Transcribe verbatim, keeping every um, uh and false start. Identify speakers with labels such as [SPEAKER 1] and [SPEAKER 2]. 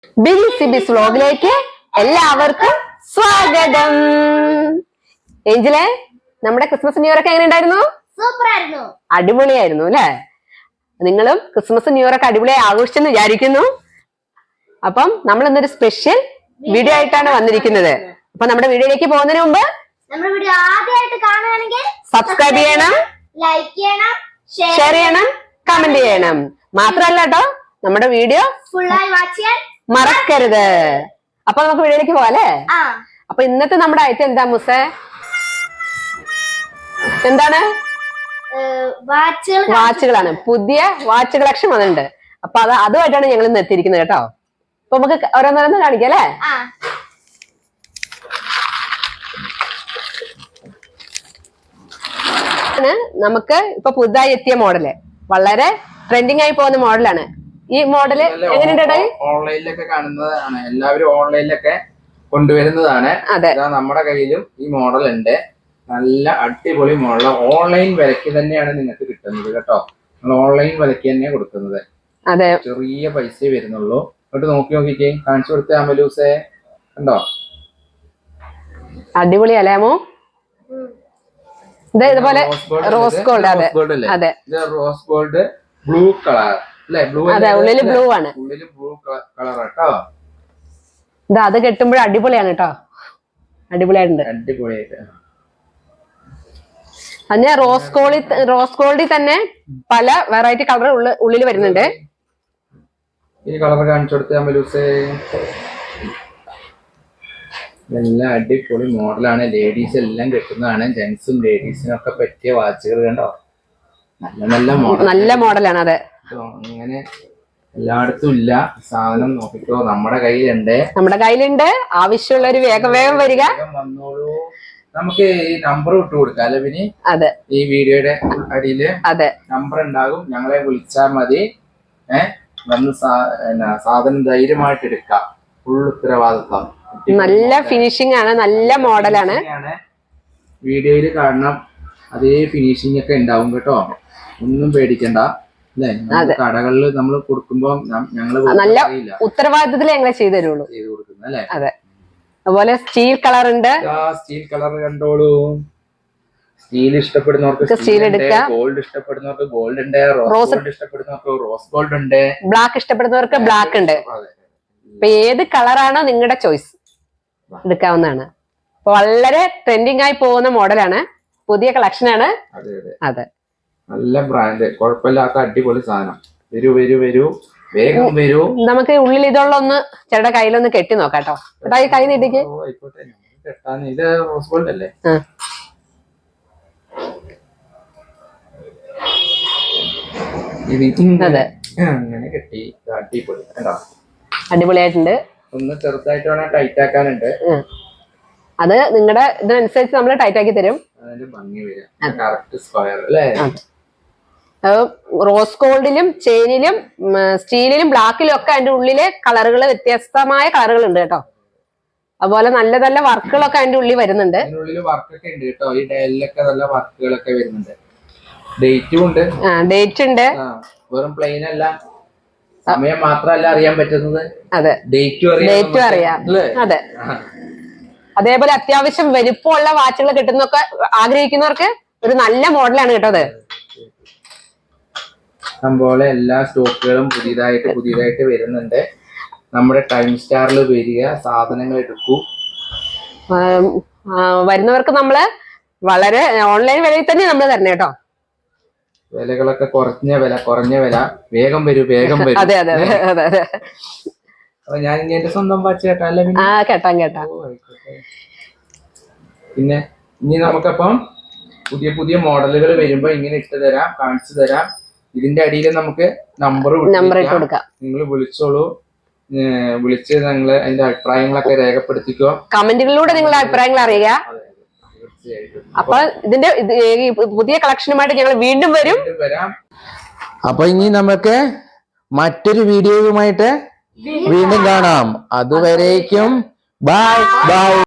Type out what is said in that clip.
[SPEAKER 1] Big സിബിസ് വ്ലോഗിലേക്ക് എല്ലാവർക്കും സ്വാഗതം. ഏഞ്ചലെ, നമ്മുടെ ക്രിസ്മസ് ന്യൂ ഇയർ ഒക്കെ എങ്ങനെ ഉണ്ടായിരുന്നു?
[SPEAKER 2] സൂപ്പർ ആയിരുന്നു,
[SPEAKER 1] അടിപൊളിയായിരുന്നു അല്ലെ? നിങ്ങളും ക്രിസ്മസ് ന്യൂ ഇയർ ഒക്കെ അടിപൊളിയായി ആഘോഷിച്ചെന്ന് വിചാരിക്കുന്നു. അപ്പം നമ്മൾ ഇന്നൊരു സ്പെഷ്യൽ വീഡിയോ ആയിട്ടാണ് വന്നിരിക്കുന്നത്. അപ്പൊ നമ്മുടെ വീഡിയോയിലേക്ക് പോകുന്നതിന് മുമ്പ്
[SPEAKER 2] നമ്മുടെ വീഡിയോ ആദ്യമായിട്ട് കാണുകയാണെങ്കിൽ
[SPEAKER 1] സബ്സ്ക്രൈബ് ചെയ്യണം,
[SPEAKER 2] ലൈക്ക് ചെയ്യണം,
[SPEAKER 1] ഷെയർ ചെയ്യണം, കമന്റ് ചെയ്യണം. മാത്രമല്ല കേട്ടോ, നമ്മുടെ വീഡിയോ
[SPEAKER 2] ഫുള്ളായി വാച്ച് ചെയ്യാൻ
[SPEAKER 1] മറക്കരുത്. അപ്പൊ നമുക്ക് വീഡിയോയിലേക്ക് പോവാല്ലേ? അപ്പൊ ഇന്നത്തെ നമ്മുടെ ഐറ്റം എന്താ മുസേ? എന്താണ്? വാച്ചുകളാണ്. പുതിയ വാച്ച് കളക്ഷൻ വന്നിട്ടുണ്ട്. അപ്പൊ അത് അതുമായിട്ടാണ് ഞങ്ങൾ ഇന്ന് എത്തിയിരിക്കുന്നത് കേട്ടോ. അപ്പൊ നമുക്ക് ഓരോന്നോരോന്ന് കാണിക്കാം അല്ലേ? നമുക്ക് ഇപ്പൊ പുതുതായി എത്തിയ മോഡല്, വളരെ ട്രെൻഡിങ് ആയി പോകുന്ന മോഡലാണ്. ഈ മോഡല് എങ്ങനെയുണ്ട്?
[SPEAKER 3] ഓൺലൈനിലൊക്കെ കാണുന്നതാണ്, എല്ലാവരും ഓൺലൈനിലൊക്കെ കൊണ്ടുവരുന്നതാണ്.
[SPEAKER 1] അതെ,
[SPEAKER 3] നമ്മുടെ കയ്യിലും ഈ മോഡൽ ഉണ്ട്. നല്ല അടിപൊളി മോഡൽ. ഓൺലൈൻ വിലക്ക് തന്നെയാണ് നിങ്ങൾക്ക് കിട്ടുന്നത് കേട്ടോ. നമ്മൾ ഓൺലൈൻ വിലക്ക് തന്നെയാണ് കൊടുക്കുന്നത്.
[SPEAKER 1] അതെ,
[SPEAKER 3] ചെറിയ പൈസ വരുന്നുള്ളൂ. എന്നിട്ട് നോക്കി നോക്കിക്കേ, കാണിച്ചു കൊടുത്ത അമലൂസേ, കണ്ടോ?
[SPEAKER 1] അടിപൊളി അല്ലേമോ? ഇത് ഇതുപോലെ റോസ് ഗോൾഡ്. അതെ അതെ,
[SPEAKER 3] ഇത് റോസ് ഗോൾഡ് ബ്ലൂ കളർ അല്ലേ? ബ്ലൂ,
[SPEAKER 1] അതെ, ഉള്ളില് ബ്ലൂ ആണ്.
[SPEAKER 3] ഉള്ളില് ബ്ലൂ കളർ കേട്ടോ.
[SPEAKER 1] ഇത് അത് കെട്ടുമ്പോഴും അടിപൊളിയാണ് കേട്ടോ. അടിപൊളിയായിട്ടുണ്ട്,
[SPEAKER 3] അടിപൊളിയായിട്ട്.
[SPEAKER 1] അതിന് റോസ് ഗോൾഡ്, റോസ് ഗോൾഡിൽ തന്നെ പല വെറൈറ്റി കളർ ഉള്ളിൽ വരുന്നുണ്ട്.
[SPEAKER 3] ഈ കളർ കാണിച്ചു കൊടുത്ത അമലൂസേ, എല്ലാം അടിപൊളി മോഡലാണ്. ലേഡീസ് എല്ലാം കിട്ടുന്നതാണ്. ജെന്റ്സും ലേഡീസിനും ഒക്കെ പറ്റിയ വാച്ചുകൾ കണ്ടോ. നല്ല നല്ല മോഡൽ,
[SPEAKER 1] നല്ല മോഡലാണ്. അതെ,
[SPEAKER 3] അങ്ങനെ എല്ലായിടത്തും ഇല്ല സാധനം. നോക്കിക്കോ, നമ്മുടെ കയ്യിലുണ്ട്.
[SPEAKER 1] നമ്മുടെ കയ്യിലുണ്ട്. ആവശ്യമുള്ളവര് വേഗം വേഗം വരിക,
[SPEAKER 3] വന്നോളൂ. നമുക്ക് ഈ നമ്പർ ഇട്ട് കൊടുക്കാം അല്ലെ പിന്നെ?
[SPEAKER 1] അതെ,
[SPEAKER 3] ഈ വീഡിയോയുടെ അടിയില്
[SPEAKER 1] അതെ
[SPEAKER 3] നമ്പർ ഉണ്ടാകും. ഞങ്ങളെ വിളിച്ചാൽ മതി. ഏഹ് വന്ന് സാധനം ധൈര്യമായിട്ട് എടുക്കാം. ഫുൾ ഉത്തരവാദിത്വം.
[SPEAKER 1] നല്ല ഫിനിഷിംഗ് ആണ്, നല്ല മോഡലാണ്.
[SPEAKER 3] വീഡിയോയിൽ കാണണം, അതേ ഫിനിഷിംഗ് ഒക്കെ ഉണ്ടാവും കേട്ടോ. ഒന്നും പേടിക്കണ്ട അല്ലേ? കടകളിൽ നമ്മൾ കൊടുക്കുമ്പോ ഞങ്ങള്
[SPEAKER 1] നല്ല ഉത്തരവാദിത്തത്തിൽ ഞങ്ങളെ ചെയ്തു തരുള്ളൂ,
[SPEAKER 3] ചെയ്ത് കൊടുക്കുന്നത് അല്ലേ?
[SPEAKER 1] അതെ. അതുപോലെ സ്റ്റീൽ കളർ ഉണ്ട്.
[SPEAKER 3] സ്റ്റീൽ കളർ കണ്ടോളൂ. സ്റ്റീൽ ഇഷ്ടപ്പെടുന്നവർക്ക് സ്റ്റീൽ എടുക്കാം. ഗോൾഡ് ഇഷ്ടപ്പെടുന്നവർക്ക് ഗോൾഡ് ഉണ്ട്. റോസ് ഗോൾഡ് ഇഷ്ടപ്പെടുന്നവർക്ക് റോസ് ഗോൾഡ് ഉണ്ട്.
[SPEAKER 1] ബ്ലാക്ക് ഇഷ്ടപ്പെടുന്നവർക്ക് ബ്ലാക്ക് ഉണ്ട്. ഇപ്പൊ ഏത് കളറാണോ നിങ്ങളുടെ ചോയ്സ് എടുക്കാവുന്നതാണ്. അപ്പൊ വളരെ ട്രെൻഡിങ് ആയി പോകുന്ന മോഡലാണ്, പുതിയ കളക്ഷൻ ആണ്. അതെ,
[SPEAKER 3] നല്ല ബ്രാൻഡ്, കുഴപ്പമില്ലാത്ത അടിപൊളി സാധനം. വരൂ വരൂ വരൂ, വേഗം വരൂ.
[SPEAKER 1] നമുക്ക് ഉള്ളിൽ ഇതുള്ള ഒന്ന് ചേട്ടാ കയ്യിലൊന്ന് കെട്ടി നോക്കാട്ടോ. ചേട്ടാ ഈ കൈ നീട്ടിക്ക്.
[SPEAKER 3] ഇത് റോസ് ഗോൾഡ് അല്ലേ?
[SPEAKER 1] അതെ,
[SPEAKER 3] അങ്ങനെ കെട്ടി അടിപൊളി കണ്ടോ.
[SPEAKER 1] അടിപൊളിയായിട്ടുണ്ട്.
[SPEAKER 3] ഒന്ന് ചെറുതായിട്ട് വേണം ടൈറ്റ് ആക്കാനുണ്ട്.
[SPEAKER 1] അത് നിങ്ങളുടെ ഇതിനനുസരിച്ച് നമ്മൾ ടൈറ്റ് ആക്കി തരും.
[SPEAKER 3] ഭംഗി വരും. കറക്റ്റ് സ്ക്വയർ അല്ലേ?
[SPEAKER 1] റോസ് ഗോൾഡിലും ചെയിനിലും സ്റ്റീലിലും ബ്ലാക്കിലും ഒക്കെ അതിന്റെ ഉള്ളിലെ കളറുകൾ, വ്യത്യസ്തമായ കളറുകൾ ഉണ്ട് കേട്ടോ. അതുപോലെ നല്ല നല്ല വർക്കുകളൊക്കെ അതിന്റെ ഉള്ളിൽ വരുന്നുണ്ട്.
[SPEAKER 3] വർക്കൊക്കെ ഉണ്ട് കേട്ടോ. ഈ ഡയലിലൊക്കെ നല്ല വർക്കുകളൊക്കെ വരുന്നുണ്ട്. ഡേറ്റും ഉണ്ട്.
[SPEAKER 1] ഡേറ്റ് ഉണ്ട്.
[SPEAKER 3] വെറും പ്ലെയിൻ അല്ല, സമയം മാത്രമല്ല അറിയാൻ പറ്റുന്നത്.
[SPEAKER 1] അതെ, ഡേറ്റും അറിയാം. അതെ, അതേപോലെ അത്യാവശ്യം വലിപ്പമുള്ള വാച്ചുകൾ കിട്ടുന്നൊക്കെ ആഗ്രഹിക്കുന്നവർക്ക് ഒരു നല്ല മോഡലാണ് കേട്ടോ. അത്
[SPEAKER 3] അതുപോലെ എല്ലാ സ്റ്റോക്കുകളും പുതിയതായിട്ട് പുതിയതായിട്ട് വരുന്നുണ്ട്. നമ്മുടെ ടൈം സ്റ്റാറിൽ വരിക, സാധനങ്ങൾ എടുക്കൂ.
[SPEAKER 1] വരുന്നവർക്ക് നമ്മള് വളരെ ഓൺലൈൻ വിലയിൽ തന്നെ നമ്മൾ തരണേ കേട്ടോ.
[SPEAKER 3] വിലകളൊക്കെ കുറഞ്ഞ വില, കുറഞ്ഞ വില. വേഗം വരൂ, വേഗം വരൂ.
[SPEAKER 1] അതെ അതെ അതെ അതെ.
[SPEAKER 3] അപ്പൊ ഞാൻ ഇനി എന്റെ സ്വന്തം വാച്ച് കേട്ടാ?
[SPEAKER 1] ആ കേട്ടാ കേട്ടാ.
[SPEAKER 3] പിന്നെ ഇനി നമുക്കപ്പം പുതിയ പുതിയ മോഡലുകൾ വരുമ്പോ ഇങ്ങനെ ഇട്ട് തരാം, കാണിച്ചു തരാം. ഇതിന്റെ അടിയിൽ നമുക്ക് നമ്പർ
[SPEAKER 1] നമ്പർ ഇട്ട് കൊടുക്കാം.
[SPEAKER 3] നിങ്ങൾ വിളിച്ചോളൂ. വിളിച്ച് നിങ്ങള് അതിന്റെ അഭിപ്രായങ്ങളൊക്കെ രേഖപ്പെടുത്തിക്കോ.
[SPEAKER 1] കമന്റുകളിലൂടെ നിങ്ങളുടെ അഭിപ്രായങ്ങൾ അറിയുക. അപ്പൊ ഇതിന്റെ പുതിയ കളക്ഷനുമായിട്ട് ഞങ്ങൾ വീണ്ടും വരും
[SPEAKER 3] വരാം. അപ്പൊ ഇനി നമുക്ക് മറ്റൊരു വീഡിയോയുമായിട്ട് വീണ്ടും കാണാം. അതുവരേക്കും ബൈ ബൈ.